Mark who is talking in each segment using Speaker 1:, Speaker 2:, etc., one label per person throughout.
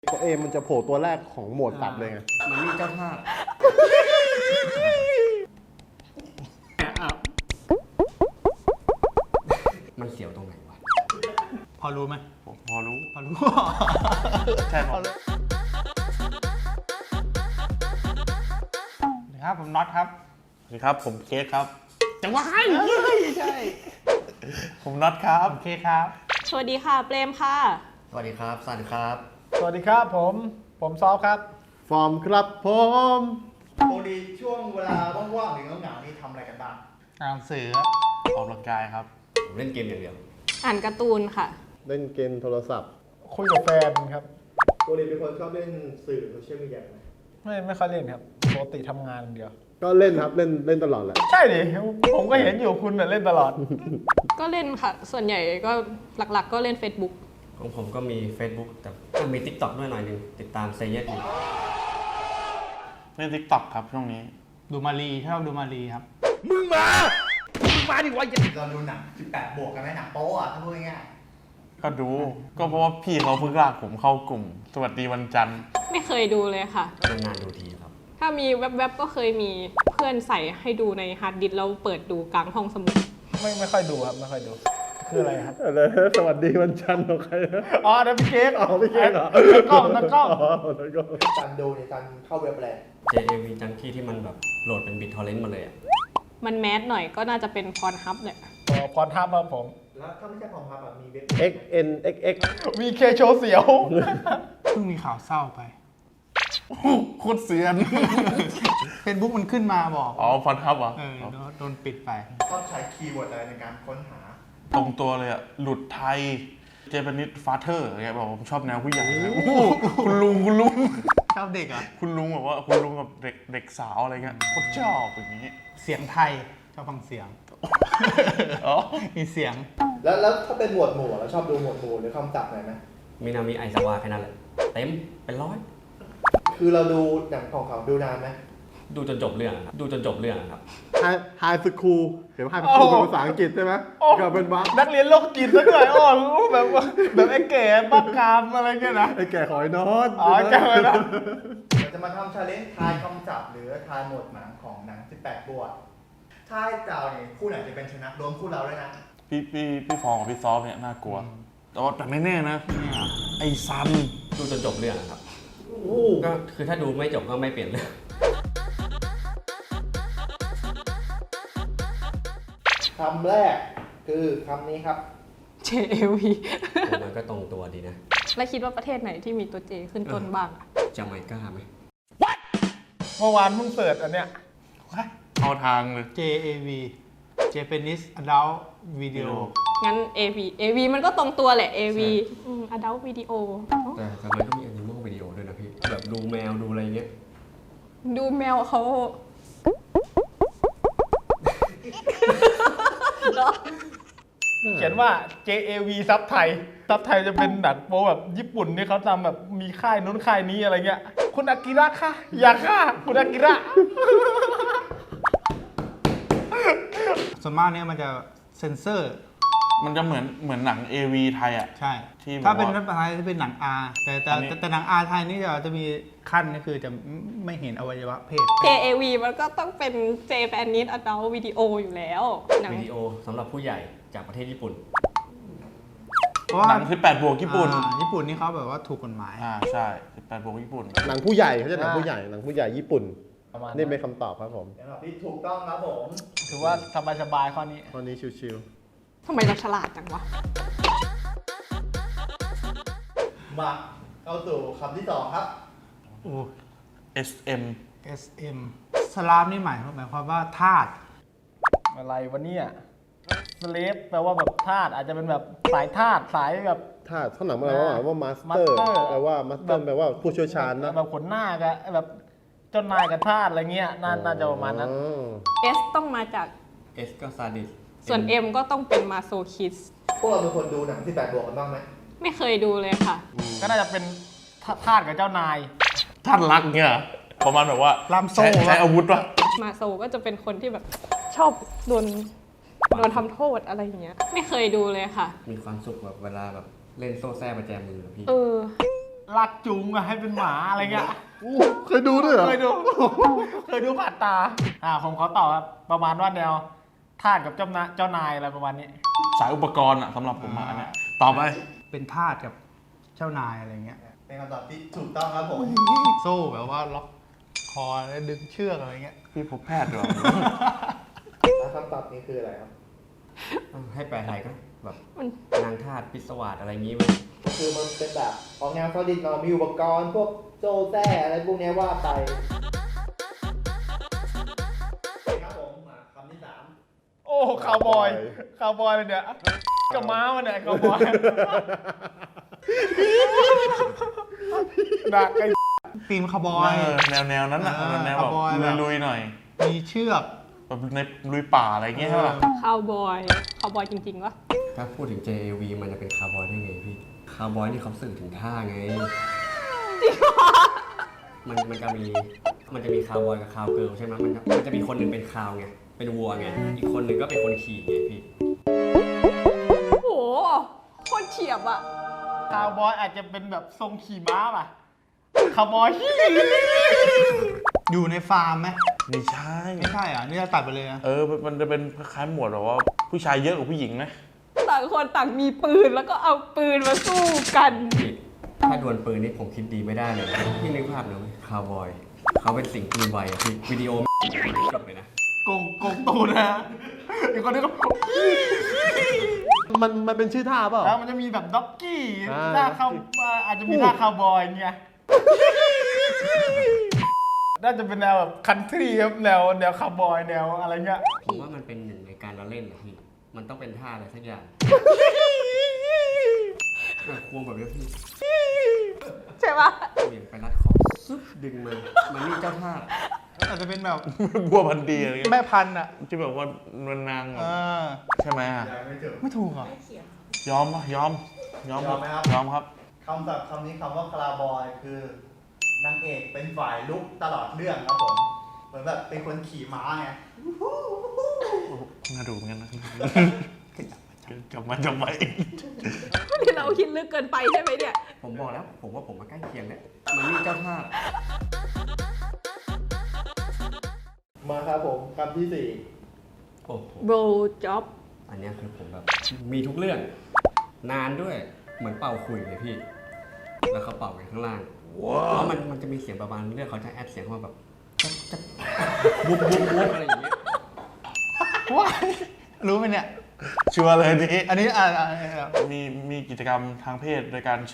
Speaker 1: ตัวเอมันจะโผล่ตัวแรกของโหมดตัดเลยไง
Speaker 2: มันนี่เจ้าท่ามันเสียวตรงไหนวะ
Speaker 3: พอรู้ไหม
Speaker 4: ผมพอรู้
Speaker 3: พอรู้
Speaker 4: ใช่พอรู้
Speaker 3: นะครับผมน็อตครับ
Speaker 4: สวัสดีครับผมเค้กครับ
Speaker 3: จังหวะให้ใช่
Speaker 4: ผมน็อตครับ
Speaker 3: โอเคครับ
Speaker 5: สวัสดีค่ะเปรมค่ะ
Speaker 2: สวัสดีครับสันครับ
Speaker 3: สวัสดีครับผมซอฟครับ
Speaker 1: ฟอร์มครับผม
Speaker 6: ปกติช่วงเวลาว่างๆหรือเหงาๆนี่ทำอะไรกันบ้าง
Speaker 3: อ่านหนังสือ
Speaker 4: ออกกำลังกายครับ
Speaker 2: ผมเล่นเกมอย่างเดียว
Speaker 5: อ่านการ์ตูนค่ะ
Speaker 1: เล่นเกมโทรศัพท์
Speaker 3: คุยกับแฟนครับ
Speaker 6: ปกติเป็นคนชอบเล่นสื่อโซเชียลมีเดียไหม
Speaker 3: ไม่ค่อยเล่นครับปกติทำงานอย่างเดียว
Speaker 1: ก็เล่นครับเล่นตลอดแหละ
Speaker 3: ใช่ดิผมก็เห็นอยู่คุณน่ะเล่นตลอด
Speaker 5: ก็เล่นค่ะ ส่วนใหญ่ก็หลักๆ ก็เล่น Facebook
Speaker 2: ของผมก็มี Facebook แต่ก็มี TikTok ด้วยหน่อยหนึงติดตามเซเยสอยู่
Speaker 4: เล่นทิกต็อกครับช่วงนี้
Speaker 3: ดูมารีชอบดูมารีครับ
Speaker 6: มึงมาดิวะเราดูหนัง18 บวกกันไหมหนังโป๊อ่ะถ้าพูดง่าย
Speaker 4: ก็ดู ก็เพราะว่าพี่เขาเพิ่งลากผมเข้ากลุ่ม สวัสดีวันจันทร์
Speaker 5: ไม่เคยดูเลยค่ะ
Speaker 2: นานๆดูทีครับ
Speaker 5: ถ้ามีแว็บๆก็เคยมีเพื่อนใส่ให้ดูในฮาร์ดดิสก์แล้วเปิดดูกลางห้องสมุด
Speaker 3: ไม่ค่อยดูครับไม่ค่อยดู คืออะไรครับ
Speaker 1: อะไรสวัสดีวันจันทร์ของใครนะ
Speaker 3: อ๋อเดี๋ยวพี่เค้ก
Speaker 1: อ๋อไม่เก่งเหรอ
Speaker 3: นักกล้องนักกล้อง
Speaker 1: อ๋อนักกล้อง
Speaker 6: ๆจันดูเนี่ยจันเข้าเว็บอะไร
Speaker 2: JAV จังที่มันแบบโหลดเป็นบิตทอร์เรนต์มาเลยอะ
Speaker 5: มันแมสหน่อยก็น่าจะเป็นพรฮับเนี่ย
Speaker 3: พรทับครับผม
Speaker 6: แล้วถ้าไม่ใช่ของพับแบบมีเว็บ
Speaker 1: XNXX
Speaker 3: มีเคโชว์เสียว เพิ่งมีข่าวเศร้าไป
Speaker 4: โคตรเซียน
Speaker 3: เฟซบุ๊กมันขึ้นมาบอก
Speaker 4: อ๋อฟอนทับเหรอ
Speaker 3: โดนปิดไป
Speaker 6: ชอบใช้คีย์เวิร์ดอะไรในการค้นหา
Speaker 4: ตรงตัวเลยอะหลุดไทย เจแปนิสฟาเธอร์อะไรบอกผมชอบแนวผู้ใหญ่นะคุณลุง
Speaker 3: ชอบเด็กเหรอ่ะ
Speaker 4: คุณลุงแบบว่าคุณลุงกับเด็กสาวอะไรเงี้ยโคตรชอบอย่างนี้
Speaker 3: เสียงไทย ชอบฟังเสียง
Speaker 4: อ๋อ
Speaker 3: มีเสียง
Speaker 6: แล้วถ้าเป็นหมวดหมู่เราชอบดูหมวดหมู่หรือคำศัพท์ไหนไหม
Speaker 2: มีนามิไอซาวาแค่นั้นแหละเต็มเป็นร้อย
Speaker 6: คือเราดูหนังของเขาดูนานไหม
Speaker 2: ดูจนจบเรื่องอะครับดูจนจบเรื่องอะครับ
Speaker 1: ไฮสคูลเห็นว่าไฮสคูลเป็นภาษาอังกฤษใช่ไหมก็เป็นบัค
Speaker 3: นักเรียนโรคจิตสักหน่อยอ๋อแบบไอ้แก่บ้ากามอะไรเงี้ยนะ
Speaker 1: ไอ้แก่ขอยนอน
Speaker 3: อ๋อแก่ขอยนอน
Speaker 6: เราจะมาทำชาเลนจ์ทายคำศัพท์หรือทายหมวดหนังของหนัง18 บวกถ้าให้เจ้าเนี่ยคู่ไหนจะเป็นชนะรวมคู่เราด้วยนะ
Speaker 4: พี่ฟองกับพี่ซอฟเนี่ยน่ากลัว แต่ไม่แน่นะ ไอ้ซัน
Speaker 2: ดูจนจบเรื่องอะครับ
Speaker 6: โอ้โห
Speaker 2: ก็คือถ้าดูไม่จบก็ไม่เปลี่ยนเรื่อง
Speaker 6: คำแรกคือคำนี้ครับ
Speaker 5: JAV
Speaker 2: ผมมันก็ตรงตัวดีนะ
Speaker 5: แล้วคิดว่าประเทศไหนที่มีตัว J ขึ้นต้นบ้างอะ
Speaker 2: จาไมก้าไหม
Speaker 3: เมื่อวานเพิ่งเสิร์ชอันเนี้ย
Speaker 4: เข้าทางเลย
Speaker 3: JAV Japanese Adult Video
Speaker 5: งั้น AV มันก็ตรงตัวแหละ AV Adult Video
Speaker 2: แต่ทำไมก็มีแอนิมอลวิดีโอด้วยนะพี่ แบบดูแมวดูอะไรเงี้ย
Speaker 5: ดูแมวเขา
Speaker 3: เขียนว่า JAV ซับไทยซับไทยจะเป็นหนังโป๊แบบญี่ปุ่นที่เขาทำแบบมีค่ายนู้นค่ายนี้อะไรเงี้ย คุณอากิระค่ะ อย่าค่ะ คุณอากิระ ส่วนมากเนี่ยมันจะเซ็นเซอร์
Speaker 4: มันจะเหมือนหนัง AV ไทยอ่ะ
Speaker 3: ใช่
Speaker 4: ที่บอกว่า
Speaker 3: ถ้าเป็นรัฐบาลจะเป็นหนัง R
Speaker 4: อันนี้
Speaker 3: แต่หนัง R ไทยนี่จะมีขั้นนี่คือจะไม่เห็นอวัยวะเพศ
Speaker 5: JAV มันก็ต้องเป็น Japanese Adult Video อยู่แล้วหนัง
Speaker 2: วิดีโอสำหรับผู้ใหญ่จากประเทศญี่ปุ่น
Speaker 3: เพราะว่า
Speaker 4: หนัง18บวกญี่ปุ่น
Speaker 3: ญี่ปุ่นนี่เขาแบบว่าถูกกฎหมาย
Speaker 4: ใช่18บวกญี่ปุ่น
Speaker 1: หนังผู้ใหญ่เขาจะหนังผู้ใหญ่ญี่ปุ่น
Speaker 3: ประมาณ
Speaker 1: นี่เป็นคำตอบครับผม
Speaker 6: สำหรับที่ถูกต้องครับผม
Speaker 3: ถือว่าสบายๆข้อนี้
Speaker 1: ตอนนี้ชิว
Speaker 5: ทำไมเราฉลาดจังวะ
Speaker 6: มาเข้าสู่คำที่สองครับ
Speaker 3: โอ้
Speaker 4: SM
Speaker 3: SM สลามนี่หมายความว่าทาสอะไรวะเนี่ยสเลฟแปลว่าแบบทาสอาจจะเป็นแบบสายทาสสายแบบ
Speaker 1: ๆถ้าข้างหลังมันแปลว่ามาสเตอร์
Speaker 3: Master
Speaker 1: แปลว่ามาสเตอร์แปลว่าผู้เชี่ยวชาญนะ
Speaker 3: แบบขนหน้ากับแบบเจ้านายกับทาสอะไรเงี้ยน่าจะประมาณนั้น
Speaker 1: อ๋อ
Speaker 5: S ต้องมาจาก
Speaker 2: S ก็ซาดิส
Speaker 5: ส่วน M ก็ต้องเป็นมาโซคิส
Speaker 6: พวกเราเป็นคนดูหนัง18 บวกกันบ้างไหม
Speaker 5: ไม่เคยดูเลยค่ะ
Speaker 3: ก็น่าจะเป็นทาสกับเจ้านาย
Speaker 4: ท่านรักเนี่ยประมาณแบบว่า
Speaker 3: ล่ามโซ่
Speaker 4: ใช้อาวุธปะ
Speaker 5: มาโซก็จะเป็นคนที่แบบชอบโดนทำโทษอะไรอย่างเงี้ย ไม่เคยดูเลยค่ะ
Speaker 2: มีความสุขแบบเวลาแบบเล่นโซ่แซ่ประแจมืออะพี่
Speaker 5: เออ
Speaker 3: ลากจูงอะให้เป็นหมาอะไรเงี้ย
Speaker 1: เคยดูด้วยเหรอ
Speaker 3: เคยดู เคยดูผ่านตาผมขอตอบครับประมาณว่าแนวทาสกับเจ้านายอะไรประมาณนี้
Speaker 4: สายอุปกรณ์อะสำหรับผมอะอันเนี้ยต่อไป
Speaker 3: เป็นทาสกับเจ้านายอะไรเงี้ย
Speaker 6: เป็นคำตอบที่ถูกต้องครับผม
Speaker 3: โซ่แบบว่าล็อกคอแล้วดึงเชือกอะไรเงี้ย
Speaker 4: พี่พบแพทย์เหรอ
Speaker 6: แล้วคำตอบนี้คืออะไรครับ
Speaker 2: ให้แปลไทยก็แบบ
Speaker 5: มัน
Speaker 2: นางทาสพิศวาสอะไรอย่างงี้มั้ย
Speaker 6: ก็คือมันเป็นแบบของแนวซอลิดหน่อยมีอุปกรณ์พวกโซ่แท้อะไรพวกเนี้ยว่าไปครับผมมาคำที่ 3
Speaker 3: โอ้คาวบอยเลยเนี่ยกับม้ามันเนี่ยคาวบอยดักไอ้ตีมคาวบอย
Speaker 4: แนวนั้นอะแนวแบบ
Speaker 3: คาวบอยแบบ
Speaker 4: ลุยๆหน่อย
Speaker 3: มีเชือก
Speaker 4: แบบในลุยป่าอะไรอย่างเงี้ยใช่ป่ะ
Speaker 5: คาวบอยจริงๆวะ
Speaker 2: ถ้าพูดถึง JAV มันจะเป็นคาร์บอยได้ไงพี่ คาร์บอยนี่เขาสื่อถึงท่าไง มันจะมีคาร์บอยกับคาวเกิร์ลใช่ไหมมันจะมีคนหนึ่งเป็นคาวไง เป็นวัวไง อีกคนหนึ่งก็เป็นคนขี่ไงพี่
Speaker 5: โอ้โหโคตรเฉียบอะ
Speaker 3: คาวบอยอาจจะเป็นแบบทรงขี่ม้าป่ะคาวบอย อยู่ในฟาร์มไหม
Speaker 4: ไม่ใช่
Speaker 3: ไม่ใช่อ่ะนี่จะตัดไปเลยนะ
Speaker 4: มันจะเป็นคล้ายๆหมวดแบบว่าผู้ชายเยอะกว่าผู้หญิงไหม
Speaker 5: ต่างคนต่างมีปืนแล้วก็เอาปืนมาสู้กัน
Speaker 2: พี่ถ้าดวลปืนนี่ผมคิดดีไม่ได้เลยนะพี่นึกภาพหน่อยคาร์บอยเขาเป็นสิ่งปืนไวอะพี่วิดีโอจบเลยนะ
Speaker 3: โกงตูนนะอีกคนนึงก็
Speaker 1: มันเป็นชื่อท่าเปล่า
Speaker 3: แล้วมันจะมีแบบด็อกกี้
Speaker 1: อ่า
Speaker 3: ท่าคาวอาจจะมีท่าคาวบอยอย่างเงี้ยน่าจะเป็นแนวแบบคันทรีครับแนวคาวบอยแนวอะไรเงี้ย
Speaker 2: ผมว่ามันเป็นหนึ่งในการละเล่นนะพี่ มันต้องเป็นท่าอะไรสักอย่างควงแบบนี้พี่
Speaker 5: ใช่ปะ
Speaker 2: เหวี่ยงไปรัดคอซึบดึงมามันนี่เจ้าท่า
Speaker 3: อาจจะเป็นแบบ
Speaker 4: บัวพันธุ์ดีอะไรเงี้ย
Speaker 3: แม่พันธุ์อ่ะ
Speaker 4: ที่แบบว่ามันนางแบบ
Speaker 3: อ่า
Speaker 4: ใช่ไหมอะ
Speaker 6: ยังไม่ถูก
Speaker 3: ไม่ถูกอ่ะ
Speaker 4: ยอมปะยอม
Speaker 6: ยอมไหมครับ
Speaker 4: ยอมครับ
Speaker 6: คำศัพท์คำนี้คำว่าคาราบอยคือนางเอกเป็นฝ่ายลุกตลอดเรื่องครับผม เหมือนแบบเป็นคนขี่ม้าไง
Speaker 4: น่าดูเหมือนกันนะกลับมาทำไม
Speaker 5: นี่เราคิดลึกเกินไปใช่ไหมเนี่ย
Speaker 2: ผมบอกแล้วผมว่าผมมาใกล้เคียงเนี่ยมันนี่เจ้าท่า
Speaker 6: มาครับผมคำที่
Speaker 2: โอ้โห
Speaker 5: โบจ็อบ
Speaker 2: อันเนี้ยคือผมแบบมีทุกเรื่อง นานด้วยเหมือนเป่าคุยเลยพี่ แล้วเขาเป่ากันข้างล่างแล้วมันจะมีเสียงประมาณเรื่องเขาจะแอดเสียงเข้ามาแบบจะบุบอะไรอย่างเงี้ย
Speaker 3: ว้ายรู้ไหมเนี่ย
Speaker 4: ชัวร์เลยนี้
Speaker 3: อันนี้
Speaker 4: มีกิจกรรมทางเพศโดยการใช้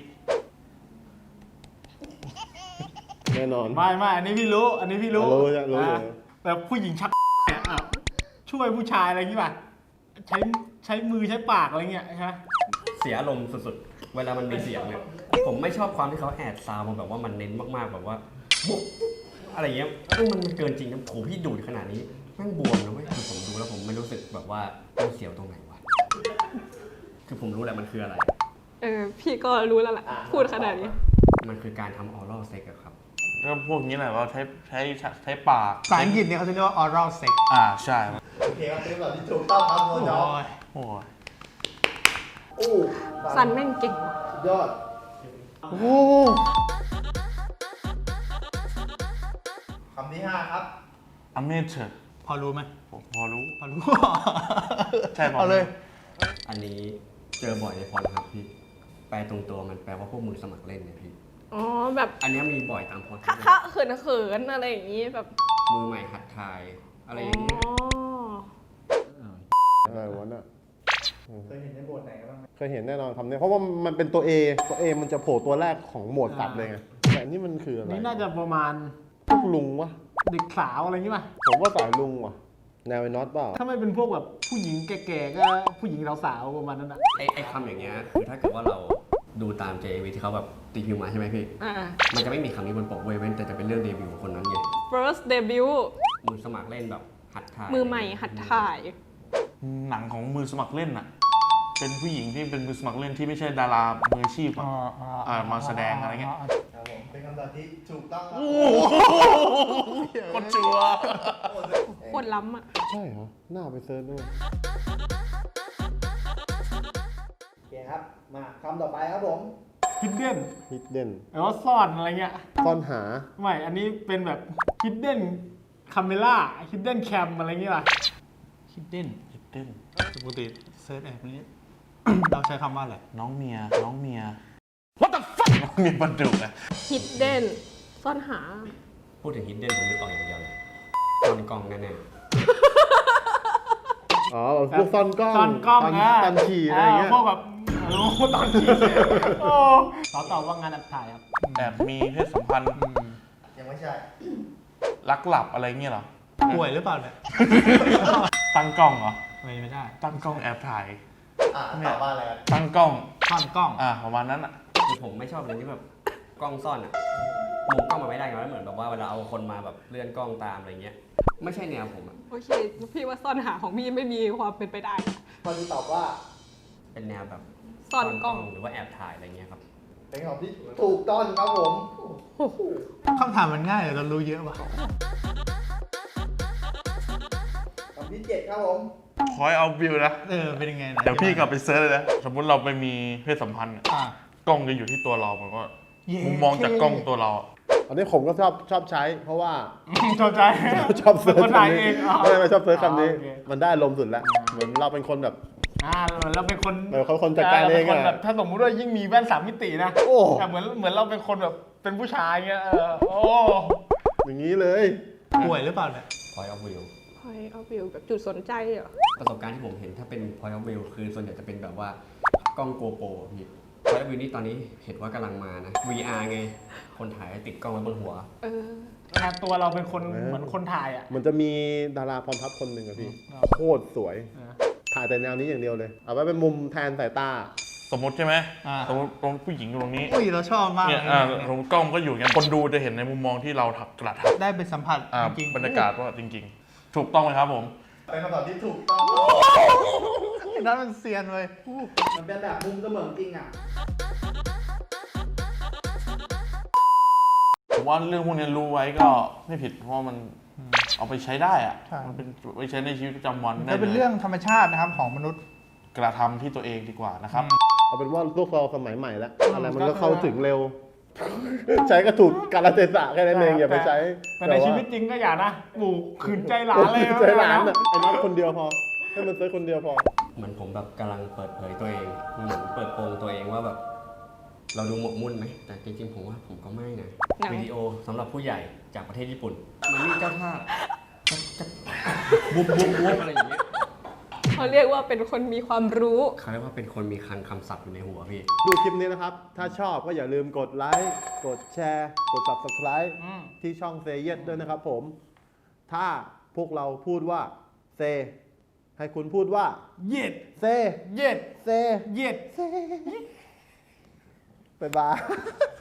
Speaker 1: แน่นอน
Speaker 3: ไม่อันนี้พี่รู้ อันนี้พี่รู้
Speaker 1: รู้อยู่
Speaker 3: แบบผู้หญิงชักเนี่ยช่วยผู้ชายอะไรอย่างงี้ป่ะใช้มือใช้ปากอะไรเงี้ยใช่ไหม
Speaker 2: เสียอารมณ์สุดๆ เวลามันมีเสียงเนี่ย ผมไม่ชอบความที่เขาแอดซาวด์มาแบบว่ามันเน้นมากๆแบบว่าบุ๊บอะไรอย่างเงี้ยมันเกินจริงนะโหพี่ดูดขนาดนี้แม่งบวมนะเว้ยคือผมดูแล้วผมไม่รู้สึกแบบว่ามันเสียวตรงไหนวะ คือผมรู้แหละมันคืออะไร
Speaker 5: พี่ก็รู้แล้วล่ะ พูดขนาดนี้
Speaker 2: มันคือการทำออรัลเซ็กครับ
Speaker 4: ก็พวกนี้แหละว่าใช้ปาก
Speaker 3: ภาษาอังกฤษเนี่ยเขาจะเรียกว่า oral sex
Speaker 4: ใช่
Speaker 6: 4 โอเคครับเป็นคำตอบที่ถูกต้องครับโมจอ
Speaker 3: โอ้ย
Speaker 4: โอ้ย
Speaker 6: อู้
Speaker 5: ซันแม่งเก่ง
Speaker 6: สุดยอด
Speaker 1: โอ้
Speaker 6: คำที่ 5 ครับ
Speaker 4: อเมเชอร์
Speaker 3: พอรู้ไหม
Speaker 4: ผมพอรู้
Speaker 3: พอรู้
Speaker 4: ใช่พอรู้
Speaker 3: เอาเลย
Speaker 2: อันนี้เจอบ่อยในพรครับพี่ แปลตรงตัวมันแปลว่าพวกมือสมัครเล่นเนี่ยพี่
Speaker 5: อ๋อแบบ
Speaker 2: อันเนี้ยมีบ่อยตามพร
Speaker 5: คะเขินอะไรอย่างงี้แบบ
Speaker 2: มือใหม่หัดทายอะไร
Speaker 5: อ๋
Speaker 2: อย่างเงี้ย
Speaker 5: อ
Speaker 1: อะไรวะน่ะ
Speaker 6: เคยเห็นในบทไหนบ้างไหม
Speaker 1: เคยเห็นแน่นอนคำนี้เพราะว่ามันเป็นตัว A ตัว A มันจะโผล่ตัวแรกของหมวดสัตว์เลยไงแต่อันนี่มันคืออะไร
Speaker 3: นี่น่าจะประมาณ
Speaker 1: พวกลุงวะ
Speaker 3: เด็กสาวอะไรอย่างงี้ป่ะ
Speaker 1: ผมว่าสายลุงว่ะแนวไอ้น็อตเปล่า
Speaker 3: ถ้าไม่เป็นพวกแบบผู้หญิงแก่ๆก็ผู้หญิงสาวๆประมาณนั้นอ่ะ
Speaker 2: ไอ้คำอย่างเงี้ยคือถ้าเกิดว่าเราดูตาม JAV ที่เขาแบบตีพิมพ์มาใช่ไหมพี่ มันจะไม่มีคำนี้บนปกเว้ยเว้นแต่จะเป็นเรื่องเดบิวต์ของคนนั้นไง
Speaker 5: first debut
Speaker 2: มือสมัครเล่นแบบหัดถ่าย
Speaker 5: มือใหม่หัดถ่าย
Speaker 4: หนังของมือสมัครเล่นน่ะ เป็นผู้หญิงที่เป็นมือสมัครเล่นที่ไม่ใช่ดารามืออาชีพอะมาแสดงอะไรเงี้ย
Speaker 6: ครับผมเป็นคำตอบที่ถูกต้องครับ
Speaker 4: คนชัว
Speaker 5: โคตรล้ำอ่ะ
Speaker 1: ใช่เหรอหน้าไปเซิร์ชด้วย
Speaker 6: โอเคครับ มาคำต่อไปครับผม
Speaker 3: hidden
Speaker 1: hidden
Speaker 3: แปลว่าซ่อนอะไรเงี้ย
Speaker 1: ซ่อนหา
Speaker 3: ไม่ อันนี้เป็นแบบ hidden camera hidden cam อะไรเงี้ยล่ะ
Speaker 7: hidden
Speaker 4: เต้น
Speaker 7: ปกติเซิร์ชแอปนี้ เราใช้คำว่าอะไร
Speaker 4: น้องเมีย What the fuck น้องเมียบันดุอะ
Speaker 5: hidden ซ่อนหา
Speaker 2: พูดถึงฮิดเด้นผมนึกออกอย่างเดียวเลยซ่อนกล้องแน่
Speaker 1: อ๋อพวกซ่อนกล้อง
Speaker 3: ซ่อนกล้อง
Speaker 1: ตอนขี่อะไรอย่างเงี้ย
Speaker 3: พวกแบบตอนขี่โอ้เขาตอบว่างานแอบถ่ายครับ
Speaker 4: แอบมีเพศสัมพันธ์
Speaker 6: ยังไม่ใช่
Speaker 4: ลักหลับอะไรเงี้ยเหรอ
Speaker 7: ป่วยหรือเปล่าเนี่ย
Speaker 4: ตั้งกล้องเหรอ
Speaker 7: ไม่ได้
Speaker 4: ตั้งกล้องแอบถ่าย
Speaker 6: ตอบว่าอะไรครับ
Speaker 4: ตั้งกล้อง
Speaker 7: ซ่อนกล้อง
Speaker 4: ประมาณนั้นอ่ะ
Speaker 2: ๆคือผมไม่ชอบเลยที่แบบกล้องซ่อนอะมุมกล้องมันไม่ได้ไงมันเหมือนแบบว่าเวลาเอาคนมาแบบเลื่อนกล้องตามอะไรเงี้ย ไม่ใช่แนวผมอะ
Speaker 5: โอเค พี่ว่าซ่อนหาของพี่ไม่มีความเป็นไปได้
Speaker 6: ข้อนี้ตอบว่า
Speaker 2: เป็นแนวแบบ
Speaker 5: ซ่อนกล้อง
Speaker 2: หรือว่าแอบถ่ายอะไรเงี้ยครับ
Speaker 6: เป็นคำตอบที่ถูกต้องครับผม
Speaker 7: คำถามมันง่ายแต่เรารู้เยอะว่ะ
Speaker 6: คำที่7ครับผม
Speaker 4: Point of view นะ
Speaker 7: เป็นยังไงนะ
Speaker 4: เดี๋ยวพี่กลับไปเซิร์ชเลยนะ สมมุติเราไปมีเพศสัมพันธ์อะ
Speaker 7: อ่ะ
Speaker 4: กล้องจะอยู่ที่ตัวเรามันก็
Speaker 7: เย้
Speaker 4: มุมมองจากกล้องตัวเราอะ
Speaker 1: อันนี้ผมก็ชอบใช้ เพราะว่า
Speaker 3: ชอบใจ
Speaker 1: ชอบเซิร์ช
Speaker 3: คนถ่าย
Speaker 1: คำนี้
Speaker 3: เอง
Speaker 1: ไม่ชอบเซิร์ชคำนี้
Speaker 3: โอเค
Speaker 1: มันได้ลมณ์สุดแล้ว เหมือนเราเป็นคนแบบ
Speaker 3: เราเป็นคน
Speaker 1: เราเป็นคนจัดการเอง
Speaker 3: ป็นคน
Speaker 1: อะ
Speaker 3: แบบถ้าสมมุติว่ายิ่งมีแว่น3 มิตินะ
Speaker 1: โอ้
Speaker 3: แต่เหมือนเราเป็นคนแบบเป็นผู้ชายเงี้ยโอ้
Speaker 1: อย่างนี้เลย
Speaker 7: ป่วยหรือเปล่าเนี่ย
Speaker 2: point of view
Speaker 5: point of view แบบจุดสนใจเหรอ
Speaker 2: ประสบการณ์ที่ผมเห็นถ้าเป็น point of view คือส่วนใหญ่จะเป็นแบบว่ากล้องโกโปรพี่ point of view นี่ตอนนี้เห็นว่ากำลังมานะ VR ไง คนถ่ายติดกล้องไว้บนหัว
Speaker 5: เออ
Speaker 3: ตัวเราเป็นคนเหมือนคนถ่ายอ่ะ
Speaker 1: มันจะมีดาราพรทัพคนหนึ่งอะพี่ โคตรสวย ถ่ายแต่แนวนี้อย่างเดียวเลย เอาไว้เป็นมุมแทนสายตา
Speaker 4: สมมติใช่ไหม
Speaker 7: อ่า
Speaker 4: สมมติตรงผู้หญิงอยู่ตรงนี้
Speaker 7: อุ้ยเราชอบมาก
Speaker 4: เนี่ย
Speaker 7: เลย
Speaker 4: สมมติกล้องก็อยู่อย่างนี้คนดูจะเห็นในมุมมองที่เรากระทำ
Speaker 7: ได้ไปสัมผัสจริงๆ
Speaker 4: บรรยากาศว่าจริง ๆ ถูกต้องไหมครับผม
Speaker 6: เป็นคำตอบที่ถูกต้อง
Speaker 7: นั่นมันเซียนเว้ย
Speaker 6: มันเป็นแบบมุมเสมือนจริงอ่ะ
Speaker 4: ผมว่าเรื่องพวกนี้รู้ไว้ก็ไม่ผิดเพราะว่ามันเอาไปใช้ได้อะ
Speaker 7: ใช่
Speaker 4: มันเป็นไปใช้ในชีวิตประจำวัน
Speaker 7: มัน
Speaker 4: ได้
Speaker 7: ก็เป็น
Speaker 4: ลย
Speaker 7: เรื่องธรรมชาตินะครับของมนุษย์
Speaker 4: กระทำที่ตัวเองดีกว่านะครับ
Speaker 1: เอาเป็นว่าพวกเราสมัยใหม่แล้ว อะไรมันก็เข้าถึงเร็ว ใช้ก็ถูกกาลเทศะแค่นั้นเองอย่าไปใช้
Speaker 3: แต่ในชีวิตจริงก็อย่านะหมู่ขืนใจหลานเลย
Speaker 1: ใจหลานอะไอ้นัดคนเดียวพอ ให้มันเซิร์ชคนเดียวพอ
Speaker 2: เหมือนผมแบบกำลังเปิดเผยตัวเอง เหมือนเปิดโปงตัวเองว่าแบบ เราดูหมกมุ่นไหม แต่จริงๆผมว่าผมก็ไม่นะ
Speaker 5: หนัง
Speaker 2: วิดีโอสำหรับผู้ใหญ่จากประเทศญี่ปุ่น มันนี่เจ้าท่าจะบุบอะไรอย่างเงี้ย
Speaker 5: เขาเรียกว่าเป็นคนมีความรู้
Speaker 2: เขาเรียกว่าเป็นคนมีคลังคำศัพท์อยู่ในหัวพี่
Speaker 1: ดูคลิปนี้นะครับ ถ้าชอบก็อย่าลืมกดไลค์ กดแชร์ กด subscribe ที่ช่องเซเย s ด้วยนะครับผม ถ้าพวกเราพูดว่าเซ ให้คุณพูดว่า
Speaker 3: เย็ด
Speaker 1: เซ
Speaker 3: เย็ด
Speaker 1: เซ
Speaker 3: เย็ด
Speaker 1: บ๊ายบาย